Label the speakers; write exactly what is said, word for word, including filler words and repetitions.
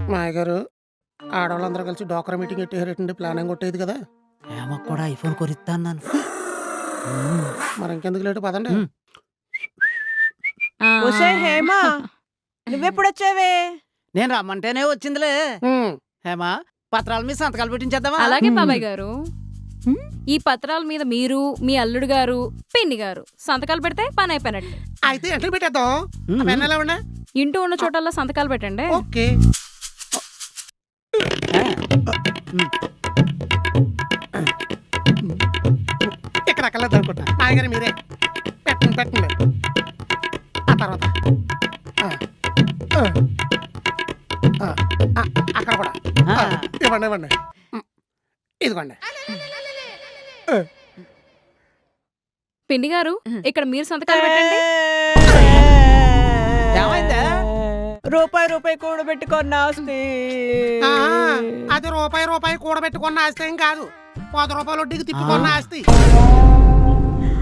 Speaker 1: మాయ గారు ఆడవాళ్ళందరూ కలిసి డోక్రా మీటింగ్ ఎట్టేటండి ప్లానింగ్ కొట్టేది కదా.
Speaker 2: హేమకు కూడా ఐఫోన్ కొనిస్తా అన్నాను.
Speaker 1: మరి ఇంకెందుకు లేటు పదండి.
Speaker 2: ఉమ్.
Speaker 3: ఆ.
Speaker 4: ఒసే హేమ నువ్వెప్పుడొచ్చావే?
Speaker 2: నేను రమ్మంటేనే వచ్చిందిలే.
Speaker 1: ఉమ్,
Speaker 2: హేమ పత్రాల మీద సంతకాలు పెట్టించేద్దామా?
Speaker 3: అలాగే బాబాయ్ గారు, ఈ పత్రాల మీద మీరు, మీ అల్లుడు గారు, పిన్ని గారు సంతకాలు పెడితే పని అయిపోయినట్టు.
Speaker 1: అయితే ఎంటర్ పెట్టేద్దాం.
Speaker 2: ఉమ్.
Speaker 1: పెన్ ఎలా ఉండే?
Speaker 3: ఇంటూ ఉన్న చోటల్లో సంతకాలు పెట్టండి.
Speaker 1: ఓకే. ఇక్కడ అక్కర్లేదు అనుకుంటా. మాయ గారు మీరే పెట్టండి పెట్టండి. ఆ తర్వాత ఆ, ఆ, ఆ, ఆ, అక్కడ కూడా
Speaker 2: ఆ.
Speaker 1: ఆ, ఇవ్వండి ఇవ్వండి. ఉమ్, ఇదిగోండి. ఆ,
Speaker 3: పిన్ని గారు, ఇక్కడ మీరు సంతకాలు పెట్టండి.
Speaker 2: ఏమైందే?
Speaker 4: రూపాయి రూపాయి కూడబెట్టుకున్న ఆస్తి.
Speaker 1: ఆ, అది రూపాయి రూపాయి కూడబెట్టుకున్న ఆస్తి ఏం కాదు. పది రూపాయలు వడ్డీకి తిప్పుకున్న ఆస్తి.